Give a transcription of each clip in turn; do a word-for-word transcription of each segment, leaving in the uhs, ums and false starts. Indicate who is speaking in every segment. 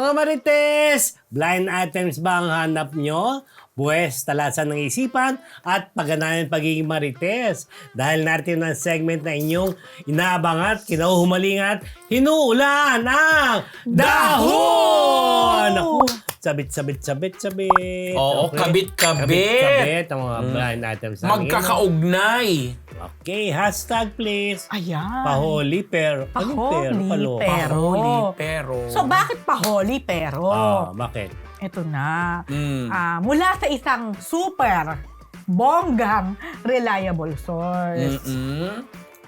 Speaker 1: Mga Marites, blind items ba ang hanap nyo? Buwes, talasan ng isipan at pagganahan ng pagiging Marites. Dahil natin ang segment na inyong inaabangan, kinahuhumalingan, hinuulan ang dahon! Naku, sabit, sabit, sabit, sabit.
Speaker 2: Oo, kabit-kabit.
Speaker 1: Kabit-kabit ang mga blind items. namin.
Speaker 2: Magkakaugnay.
Speaker 1: Okay, hashtag please.
Speaker 3: Ayan.
Speaker 1: Paholi pero. Ano pero?
Speaker 3: Paholi
Speaker 1: Palo.
Speaker 3: pero.
Speaker 2: Paholi, pero...
Speaker 3: So, bakit paholi pero?
Speaker 1: Ah, bakit?
Speaker 3: Ito na.
Speaker 2: Mm.
Speaker 3: Ah, mula sa isang super bonggang reliable source.
Speaker 2: Mm-mm.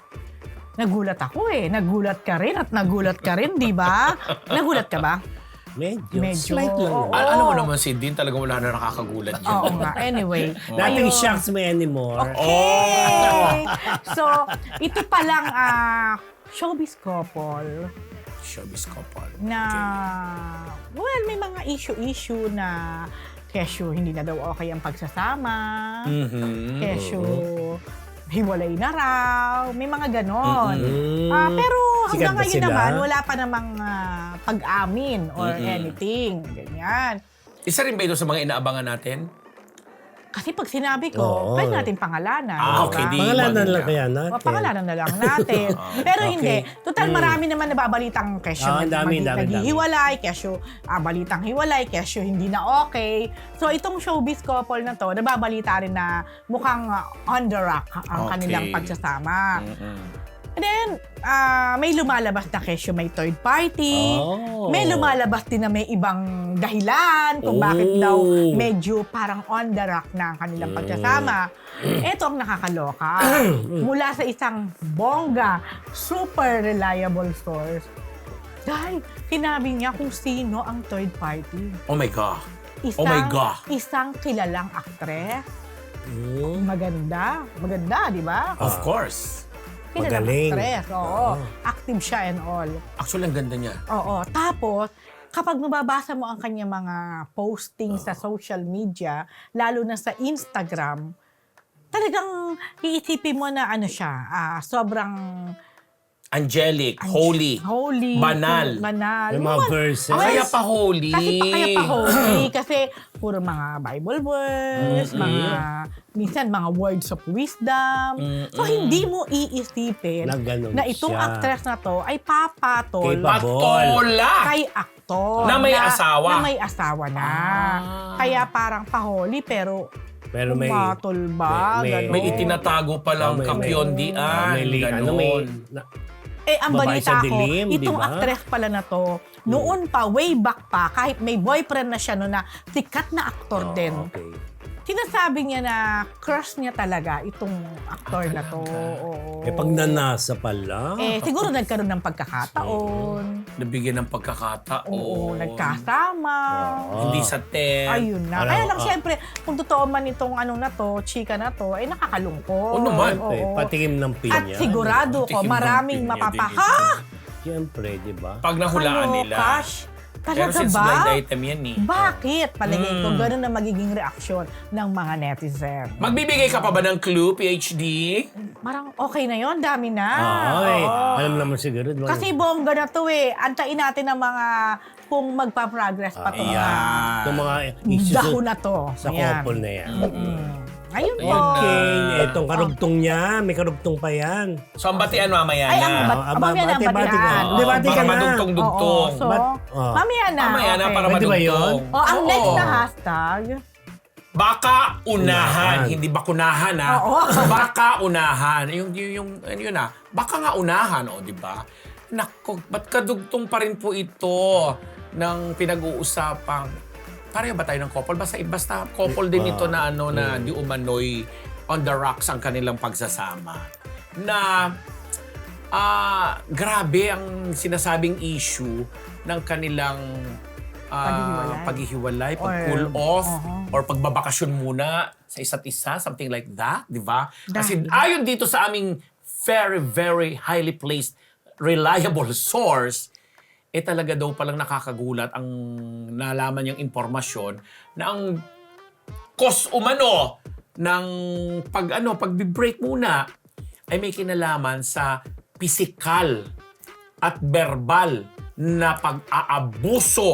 Speaker 3: Nagulat ako eh. Nagulat ka rin at nagulat ka rin, di ba? Nagulat ka ba?
Speaker 1: Medyo.
Speaker 3: Medyo,
Speaker 1: Slight lang.
Speaker 3: oo.
Speaker 1: naman.
Speaker 2: Al- ano mo naman si Dean, talagang wala na nakakagulat yun.
Speaker 3: Oo nga. Anyway.
Speaker 1: Nothing
Speaker 3: ayun.
Speaker 1: shocks me anymore.
Speaker 3: Okay. So, ito palang ah, showbiz couple
Speaker 2: Showbiz couple.
Speaker 3: na, well, may mga issue-issue na kesyo hindi na daw okay ang pagsasama,
Speaker 2: Mhm.
Speaker 3: kesyo hiwalay na raw, may mga ganon.
Speaker 1: Mm.
Speaker 3: Ah, pero
Speaker 1: Sikat
Speaker 3: hanggang
Speaker 1: ba
Speaker 3: ngayon
Speaker 1: sila?
Speaker 3: naman, wala pa namang ah, pag-amin or
Speaker 2: Mm-mm.
Speaker 3: anything. Ganyan.
Speaker 2: Isa rin ba ito sa mga inaabangan natin?
Speaker 3: Kasi pag sinabi ko,
Speaker 1: Oo.
Speaker 3: pwede natin pangalanan.
Speaker 2: Ah,
Speaker 3: di
Speaker 2: okay,
Speaker 3: ba?
Speaker 2: di-
Speaker 1: Pangalanan
Speaker 2: Maganda.
Speaker 1: lang kaya natin.
Speaker 3: O, pangalanan na lang natin. Pero
Speaker 1: Okay.
Speaker 3: hindi. Total,
Speaker 1: Mm.
Speaker 3: marami naman nababalitang kesyo.
Speaker 1: Ah,
Speaker 3: nag-
Speaker 1: dami,
Speaker 3: magi-
Speaker 1: dami,
Speaker 3: naghihiwalay, kesyo, ah, balitang hiwalay, kesyo hindi na okay. So, itong showbiz couple na to, nababalita rin na mukhang ah, on the rock ang
Speaker 2: Okay.
Speaker 3: kanilang pagsasama.
Speaker 2: Mm-mm.
Speaker 3: And then, ah, may lumalabas na kesyo may third party.
Speaker 1: Oh.
Speaker 3: May lumalabas din na may ibang dahilan kung
Speaker 1: Oh.
Speaker 3: bakit daw medyo parang on the rock na ang kanilang
Speaker 1: Mm.
Speaker 3: pagsasama. Ito ang nakakaloka. Mula sa isang bongga, super reliable source. Dahil sinabi niya kung sino ang third party.
Speaker 2: Oh my God.
Speaker 3: Isang,
Speaker 2: Oh my God.
Speaker 3: Isang kilalang aktres.
Speaker 1: Mm.
Speaker 3: Maganda. Maganda, di ba?
Speaker 2: Of course.
Speaker 3: Kilalang
Speaker 1: Magaling.
Speaker 3: aktres. Oo.
Speaker 1: Oo.
Speaker 3: Active siya and all.
Speaker 2: Actually, ang ganda niya.
Speaker 3: Oo. Tapos, kapag mababasa mo ang kanyang mga posting sa social media, lalo na sa Instagram, talagang iisipin mo na ano siya, ah, sobrang
Speaker 2: Angelic, holy,
Speaker 3: holy,
Speaker 2: banal.
Speaker 3: banal.
Speaker 1: May mga
Speaker 3: Well,
Speaker 1: verses.
Speaker 2: Kaya pa holy.
Speaker 3: Kasi pa kaya pa holy kasi puro mga Bible words,
Speaker 2: Mm-mm.
Speaker 3: mga minsan mga words of wisdom. So
Speaker 2: Mm-mm.
Speaker 3: hindi mo iisipin
Speaker 1: Na ganun
Speaker 3: na itong
Speaker 1: siya.
Speaker 3: actress na to ay papatol
Speaker 1: Capable.
Speaker 2: Patola!
Speaker 3: kay aktor
Speaker 2: Na may asawa.
Speaker 3: Na may asawa na.
Speaker 2: Ah.
Speaker 3: Kaya parang paholi pero
Speaker 1: Pero may...
Speaker 3: pumatol ba?
Speaker 1: may- may-
Speaker 3: Ganon.
Speaker 2: May itinatago palang
Speaker 1: Oh, may-
Speaker 2: kakyondian.
Speaker 1: Ah, may li- ano, may...
Speaker 2: ganon.
Speaker 1: na-
Speaker 3: Eh, ang
Speaker 1: Babae sa
Speaker 3: balita ko,
Speaker 1: dilim, di
Speaker 3: itong
Speaker 1: ba?
Speaker 3: actress pala na to, noon pa, way back pa, kahit may boyfriend na siya no na sikat na aktor
Speaker 1: Oh,
Speaker 3: din.
Speaker 1: okay.
Speaker 3: Sinasabi niya na crush niya talaga itong aktor na to. Oo.
Speaker 1: Eh, pag nanasa pala.
Speaker 3: Eh, siguro nagkaroon ng pagkakataon.
Speaker 2: Nabigyan ng pagkakataon.
Speaker 3: Oo, nagkasama.
Speaker 1: Oo.
Speaker 2: Hindi sa ten.
Speaker 3: Ayun na.
Speaker 1: Alam,
Speaker 3: Kaya lang,
Speaker 1: ah.
Speaker 3: syempre, kung totoo man itong ano na to, chika na to, ay nakakalungkot.
Speaker 2: Oo naman.
Speaker 1: Okay,
Speaker 3: Oo.
Speaker 1: patikim ng pinya.
Speaker 3: At sigurado ko,
Speaker 2: Patikim ng
Speaker 3: maraming
Speaker 2: pinya
Speaker 3: mapapa...
Speaker 2: din
Speaker 3: Ha?
Speaker 1: Siyempre, di ba?
Speaker 2: Pag nahulaan
Speaker 3: Ano,
Speaker 2: nila.
Speaker 3: Cash?
Speaker 2: Pero
Speaker 3: Talaga
Speaker 2: since
Speaker 3: ba?
Speaker 2: blind item yan eh.
Speaker 3: Bakit? Palagay ko,
Speaker 2: Mm.
Speaker 3: gano'n na magiging reaksyon ng mga netizen.
Speaker 2: Magbibigay ka pa ba ng clue, P H D?
Speaker 3: Parang okay na yon, dami na.
Speaker 1: Ay,
Speaker 3: Oo.
Speaker 1: alam naman siguro. di ba?
Speaker 3: Kasi bongga na to eh. Antayin natin ang mga kung magpa-progress pa to.
Speaker 2: Ayan.
Speaker 1: Itong mga issues
Speaker 3: Dahon na to.
Speaker 1: sa
Speaker 3: Ayan.
Speaker 1: couple na yan.
Speaker 3: Mm. Ayun po.
Speaker 1: Okay, etong karugtong niya, may karugtong pa yan.
Speaker 2: So, ang batian mamaya
Speaker 3: Ay,
Speaker 2: na.
Speaker 3: ang bat-
Speaker 1: Ah,
Speaker 3: mamaya na ang
Speaker 1: bati-bati ka.
Speaker 3: batian.
Speaker 1: Di, bati ka
Speaker 2: Baka
Speaker 1: na.
Speaker 2: madugtong-dugtong.
Speaker 3: Oo, so,
Speaker 1: But- oh.
Speaker 3: mamaya na.
Speaker 2: Mamaya na
Speaker 3: okay.
Speaker 2: para
Speaker 1: Pwede ba
Speaker 2: madugtong.
Speaker 1: yun?
Speaker 3: O, ang
Speaker 2: Oo.
Speaker 3: next na hashtag,
Speaker 2: Baka unahan,
Speaker 1: Unahan.
Speaker 2: hindi bakunahan ha.
Speaker 3: Oo.
Speaker 2: Baka unahan. Yung, yung, yung ano yun ha. Baka nga unahan, o di ba? Nako, ba't kadugtong pa rin po ito ng pinag-uusapang pareho ba tayo ng couple? Basta, basta couple din ito na ano na di umano'y on the rocks ang kanilang pagsasama. Na ah grabe ang sinasabing issue ng kanilang ah,
Speaker 3: Paghihiwalay.
Speaker 2: paghihiwalay,
Speaker 3: Or-
Speaker 2: pag-cool off,
Speaker 3: uh-huh.
Speaker 2: or pagbabakasyon muna sa isa't isa, something like that, di ba? Kasi
Speaker 3: Dahil-
Speaker 2: ayon dito sa aming very, very highly placed, reliable source, eh talaga daw palang nakakagulat ang nalaman niyang impormasyon na ang cause umano ng pag ano, pag-break muna ay may kinalaman sa physical at verbal na pag-aabuso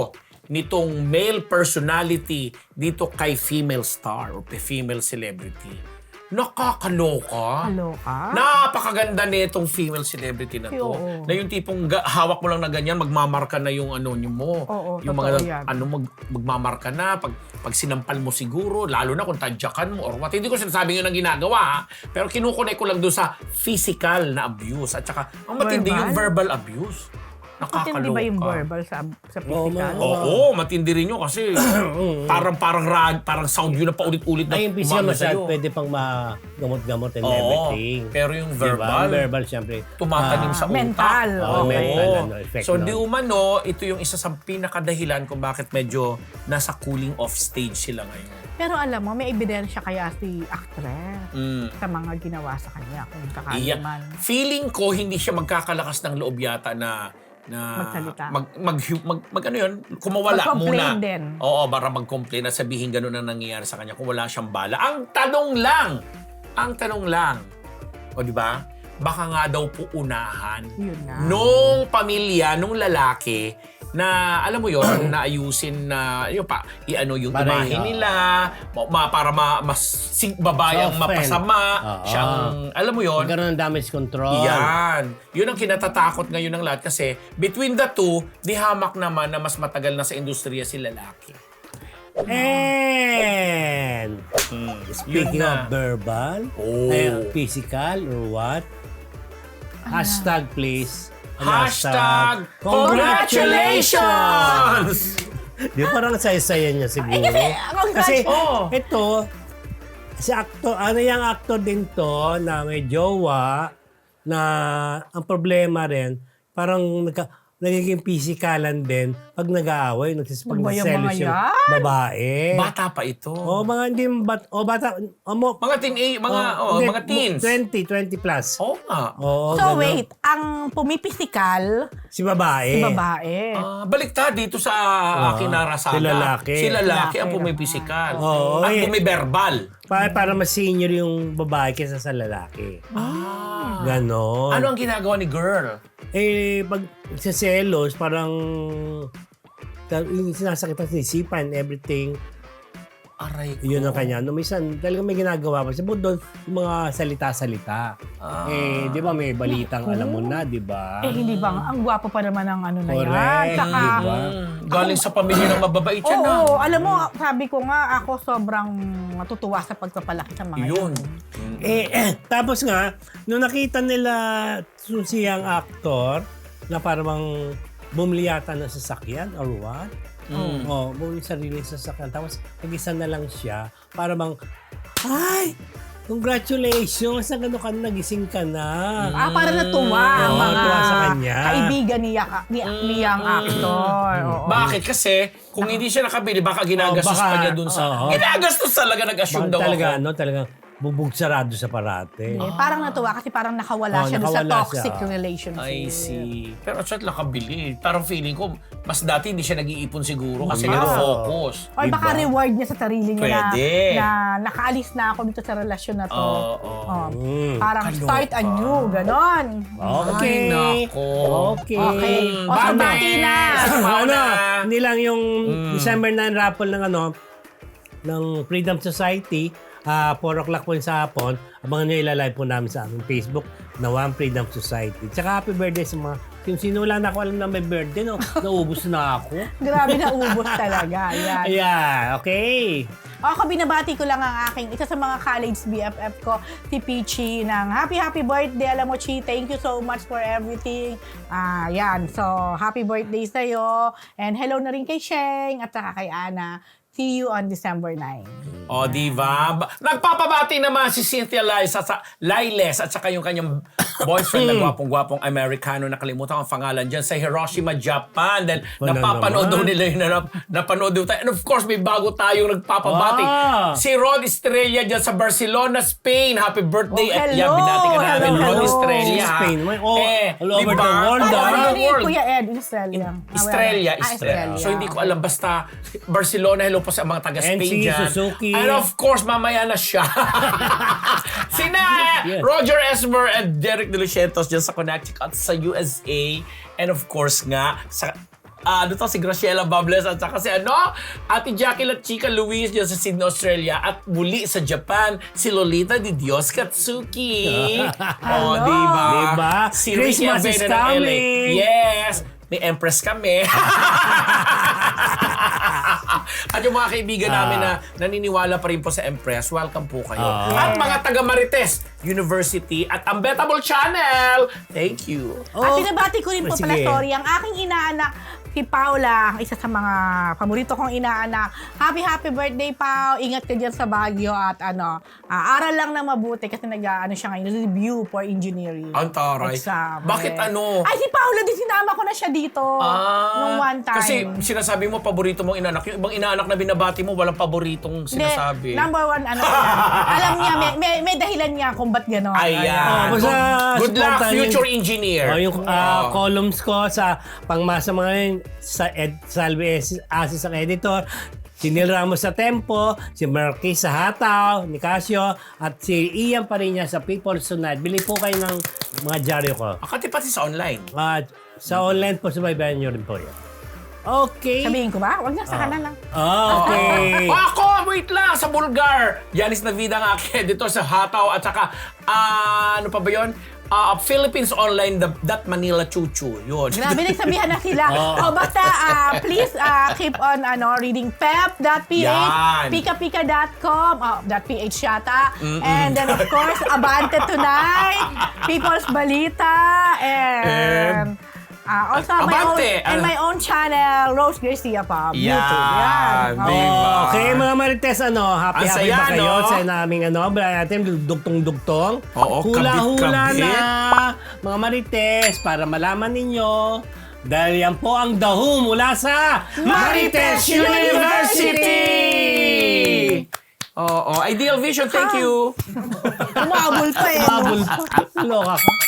Speaker 2: nitong male personality dito kay female star o female celebrity. Nakakaloka.
Speaker 3: Kaloka?
Speaker 2: Napakaganda nitong female celebrity na to.
Speaker 3: Oo.
Speaker 2: Na yung tipong ga- hawak mo lang na ganyan, magmamarka na yung ano nyo mo.
Speaker 3: Oo,
Speaker 2: yung
Speaker 3: totoo
Speaker 2: mga
Speaker 3: yan.
Speaker 2: ano mag, magmamarka na pag pag sinampal mo siguro, lalo na kung tadyakan mo or what. Hindi ko sinasabing yun ang ginagawa, ha? Pero kinukunik ko lang doon sa physical na abuse at saka ang matindi
Speaker 3: Verbal?
Speaker 2: yung verbal abuse. Nakakaloka.
Speaker 3: Matindi ba yung verbal sa, sa physical?
Speaker 2: Oo, matindi rin yun kasi parang parang rag, parang sound yun na paulit-ulit na
Speaker 1: Ay, yung physical
Speaker 2: umano
Speaker 1: massage,
Speaker 2: sa'yo.
Speaker 1: pwede pang magamot-gamot and
Speaker 2: Oo,
Speaker 1: everything.
Speaker 2: pero yung
Speaker 1: Diba?
Speaker 2: verbal,
Speaker 1: Ang verbal, syempre.
Speaker 2: tumatanim sa utak.
Speaker 3: mental.
Speaker 1: Oo,
Speaker 3: Okay.
Speaker 1: mental, ano, effect
Speaker 2: So
Speaker 1: nun.
Speaker 2: di umano, ito yung isa sa pinakadahilan kung bakit medyo nasa cooling off stage sila ngayon.
Speaker 3: Pero alam mo, may ebidensya kaya si actress
Speaker 2: Mm.
Speaker 3: sa mga ginawa sa kanya kung sakali
Speaker 2: Iya.
Speaker 3: man.
Speaker 2: Feeling ko hindi siya magkakalakas ng loob yata na na
Speaker 3: Magsalita.
Speaker 2: mag, mag, mag, mag ano yun, kumawala
Speaker 3: Mag-complain
Speaker 2: muna.
Speaker 3: din.
Speaker 2: Oo, para mag-complain at sabihin gano'n ang nangyayari sa kanya kung wala siyang bala. Ang tanong lang, ang tanong lang, o di ba? Baka nga daw po unahan
Speaker 3: Yun nga.
Speaker 2: nung pamilya, nung lalaki, na alam mo yon na ayusin na yun pa iano yung
Speaker 1: Para
Speaker 2: imahe
Speaker 1: yun,
Speaker 2: nila ma, ma- para ma, mas sing babayang
Speaker 1: Soften.
Speaker 2: mapasama
Speaker 1: Oo.
Speaker 2: siyang alam mo yon
Speaker 1: Magkaroon ng damage control.
Speaker 2: yan. Yun ang kinatatakot ngayon ng lahat kasi between the two, di hamak naman na mas matagal na sa industriya si lalaki.
Speaker 1: And speaking
Speaker 2: Yun
Speaker 1: of
Speaker 2: na.
Speaker 1: verbal,
Speaker 2: Oh.
Speaker 1: ay, physical or what? Hashtag please. Ano,
Speaker 2: Hashtag
Speaker 1: congratulations!
Speaker 2: congratulations!
Speaker 1: Di ba parang saya-saya niya siguro?
Speaker 3: Ay, kasi, congrats-
Speaker 1: Kasi
Speaker 2: Oh.
Speaker 1: ito, si actor, ano yung actor din to na may jowa na ang problema rin, parang nagka, nagiging pisikalan din pag nag-aaway, nagsisipag
Speaker 3: Ano ba
Speaker 1: na
Speaker 3: yung
Speaker 1: selos
Speaker 3: mga
Speaker 1: yung
Speaker 3: yan?
Speaker 1: babae.
Speaker 2: Bata pa ito.
Speaker 1: O mga hindi bat, o bata, o mo,
Speaker 2: Mga teen, eh, mga, oh,
Speaker 1: hindi,
Speaker 2: mga teens.
Speaker 1: twenty, twenty plus.
Speaker 2: Oo nga.
Speaker 1: Oo,
Speaker 3: So
Speaker 1: ganun.
Speaker 3: wait, ang pumipisikal,
Speaker 1: Si babae.
Speaker 3: si babae.
Speaker 2: Ah, baliktad dito sa akin na rasada.
Speaker 1: si lalaki.
Speaker 2: Si lalaki ang
Speaker 3: Lalaki
Speaker 2: pumipisikal.
Speaker 1: Oo,
Speaker 2: At
Speaker 1: eh.
Speaker 2: bumiberbal.
Speaker 1: Para, para mas senior yung babae kaysa sa lalaki.
Speaker 2: Ah.
Speaker 1: Ganon.
Speaker 2: Ano ang ginagawa ni girl?
Speaker 1: Eh, pag sa selos, parang ta- yung sinasakitan sa isipan, everything,
Speaker 2: Aray ko.
Speaker 1: yun ang kanya. No, minsan, talagang may ginagawa pa. Sabi doon, yung mga salita-salita.
Speaker 2: Ah.
Speaker 1: Eh, di ba may balitang alam mo na, di ba?
Speaker 3: Eh, hindi ba? Ang gwapo pa naman ng ano na yan.
Speaker 1: Correct,
Speaker 3: Saka,
Speaker 1: di ba?
Speaker 2: Mm, galing sa pamilya ng mababait
Speaker 3: oo,
Speaker 2: yan na.
Speaker 3: alam mo, sabi ko nga, ako sobrang matutuwa sa pagpapalaki sa mga
Speaker 2: Yun.
Speaker 3: yan.
Speaker 1: Eh, eh, tapos nga, nung nakita nila yung siyang actor, na parang bumili yata ng sasakyan or what?
Speaker 2: Mm.
Speaker 1: Oh, bumili sarili sa sasakyan. Tapos, nag-isa na lang siya para bang, ay, congratulations, na gano'n ka na, nagising ka na.
Speaker 3: Ah, para natuwa ang
Speaker 1: Oo,
Speaker 3: mga
Speaker 1: natuwa sa kanya.
Speaker 3: kaibigan niya, ni, niyang actor. Oo.
Speaker 2: Bakit? Kasi kung hindi siya nakabili, baka ginagastos
Speaker 1: Oh, baka-
Speaker 2: pa niya dun sa...
Speaker 1: oo.
Speaker 2: Ginagastos talaga, nag-assume
Speaker 1: Bakit
Speaker 2: daw
Speaker 1: talaga,
Speaker 2: ako.
Speaker 1: ano, talagang bubog sarado sa parate.
Speaker 3: Eh, parang natuwa kasi parang nakawala
Speaker 1: Oh,
Speaker 3: siya doon sa
Speaker 1: nakawala
Speaker 3: toxic
Speaker 1: siya.
Speaker 3: relationship.
Speaker 2: I see. Pero siya nakabili. Parang feeling ko, mas dati hindi siya nag-iipon siguro kasi
Speaker 1: Oo.
Speaker 2: nag-focus.
Speaker 3: Or baka
Speaker 1: Diba?
Speaker 3: reward niya sa sarili niya na,
Speaker 2: Pwede.
Speaker 3: na nakaalis na ako dito sa relasyon na to.
Speaker 2: Oo, oo.
Speaker 3: Oh,
Speaker 1: Mm.
Speaker 3: parang
Speaker 2: Kaloka.
Speaker 3: start anew, ganon.
Speaker 1: Okay.
Speaker 2: Ay, nako.
Speaker 1: Okay.
Speaker 3: Okay. O,
Speaker 2: Bye,
Speaker 3: bati na.
Speaker 2: Mauna.
Speaker 1: ano, hindi lang yung
Speaker 2: Mm.
Speaker 1: December nine raffle ng ano, ng Freedom Society, ah four o'clock po sa hapon, abangan nyo ilalive po namin sa aming Facebook na One Freedom Society. Tsaka happy birthday sa mga, yung sino wala na ako alam na may birthday, no? Naubos na ako.
Speaker 3: Grabe na ubos talaga. Yan.
Speaker 1: Yeah, okay.
Speaker 3: Ako, binabati ko lang ang aking isa sa mga college B F F ko, si Peachy, ng happy, happy birthday. Alam mo, Chi, thank you so much for everything. Ah, yan. So, happy birthday sa'yo. And hello na rin kay Sheng at saka kay Ana. See you on December ninth.
Speaker 2: O, di ba? Ba- Nagpapabati naman si Cynthia Liles at sa Liles at saka yung kanyang boyfriend na gwapong-gwapong Amerikano, nakalimutan ang pangalan dyan, sa Hiroshima, Japan. Dahil
Speaker 1: Wala
Speaker 2: napapanood daw
Speaker 1: naman.
Speaker 2: nila yun, na, napanood daw tayo. And of course, may bago tayong nagpapabati.
Speaker 1: Ah.
Speaker 2: Si Rod Estrella dyan sa Barcelona, Spain. Happy
Speaker 3: Oh,
Speaker 2: birthday. At
Speaker 3: hello.
Speaker 2: yan, binati ka namin,
Speaker 3: Hello,
Speaker 2: Rod
Speaker 3: hello.
Speaker 2: Estrella. ha?
Speaker 1: Spain. May- oh, all over
Speaker 2: diba?
Speaker 1: the world,
Speaker 2: All
Speaker 1: ah.
Speaker 2: over
Speaker 3: Ano
Speaker 2: the
Speaker 3: ni
Speaker 2: world.
Speaker 3: Kuya Ed? Estrella.
Speaker 2: Estrella,
Speaker 3: Ah,
Speaker 2: Estrella. So hindi ko alam, basta Barcelona, hello po sa mga taga-Spain
Speaker 1: N C,
Speaker 2: dyan.
Speaker 1: Suzuki.
Speaker 2: And of course, mamaya na siya. Sina
Speaker 1: Yes.
Speaker 2: Roger Esmer and Derek De Lucientos dyan sa Connecticut sa U S A. And of course nga, sa ah, ano to, si Graciela Bables at saka si ano, Ate Jackie La Chica Luis dyan sa Sydney, Australia. At muli sa Japan, si Lolita Di Dios Katsuki. Oh,
Speaker 3: Hello.
Speaker 2: di ba?
Speaker 1: Diba?
Speaker 2: Si
Speaker 1: Christmas
Speaker 2: Ricky
Speaker 1: is
Speaker 2: Avena ng L A.
Speaker 1: coming.
Speaker 2: Yes! May Empress kami. At yung mga kaibigan namin na naniniwala pa rin po sa Empress, welcome po kayo.
Speaker 1: Ah.
Speaker 2: At mga taga Marites University at Unbettable Channel, thank you.
Speaker 3: At pinabati ko rin po pala,
Speaker 1: Sige.
Speaker 3: sorry, ang aking inaanak, si Paula, ang isa sa mga paborito kong inaanak. Happy, happy birthday, Pao. Ingat ka dyan sa Baguio at ano, ah, aral lang na mabuti kasi nag, ano siya ngayon, review for engineering.
Speaker 2: Ang taray.
Speaker 3: Exam.
Speaker 2: Bakit
Speaker 3: Eh.
Speaker 2: ano?
Speaker 3: Ay, si Paula din, sinama ko na siya dito. nung one time.
Speaker 2: Kasi sinasabi mo paborito mong inaanak. Yung ibang inaanak na binabati mo, walang paboritong
Speaker 3: Hindi,
Speaker 2: sinasabi.
Speaker 3: number one, ano yan. Alam niya, may, may, may dahilan niya kung ba't gano'n.
Speaker 2: Ayan.
Speaker 1: Oh, basta
Speaker 2: Good luck,
Speaker 1: supportan yung-
Speaker 2: future engineer.
Speaker 1: Oh, yung ah,
Speaker 2: Oo.
Speaker 1: columns ko sa pangmasa mga yun, sa Ed Salve Asis ang editor, si Neil Ramos sa Tempo, si Marquis sa Hataw, ni Casio, at si Ian Parinya sa People's Tonight. Bili po kayo ng mga dyaryo ko.
Speaker 2: Akati pati sa online.
Speaker 1: At sa online po, subaybayan nyo rin po yan. Okay.
Speaker 3: Sabihin ko ba? Huwag na, sa kanan lang.
Speaker 1: Okay.
Speaker 2: O ako, wait lang, sa Bulgar. Yanis Navida ang aking editor sa Hataw at saka, ah, ano pa ba yun? Ah, Philippines Online, the, that Manila Chuchu. Yun.
Speaker 3: Grabe, nagsabihan na sila. O basta, ah, please ah, keep on ano reading pep dot p h,
Speaker 2: Yan. And-
Speaker 3: ah, also, my own,
Speaker 2: Abante,
Speaker 3: and
Speaker 2: ano?
Speaker 3: my own channel, Rose Garcia pa.
Speaker 2: Yan,
Speaker 3: YouTube. Yan.
Speaker 2: di
Speaker 3: Oo.
Speaker 2: ba?
Speaker 1: Okay, mga Marites, ano, happy
Speaker 2: Ang
Speaker 1: happy
Speaker 2: saya,
Speaker 1: ba kayo
Speaker 2: no?
Speaker 1: sa naming ano, Brian natin, dugtong-dugtong.
Speaker 2: Oo,
Speaker 1: Hula-hula
Speaker 2: kabit-kabit.
Speaker 1: na, mga Marites, para malaman ninyo, dahil yan po ang dahu mula sa
Speaker 3: Marites
Speaker 1: Marites University!
Speaker 2: Oo, Ideal Vision, thank you.
Speaker 3: Umabol pa eh. no?
Speaker 1: Mabul, loka ka.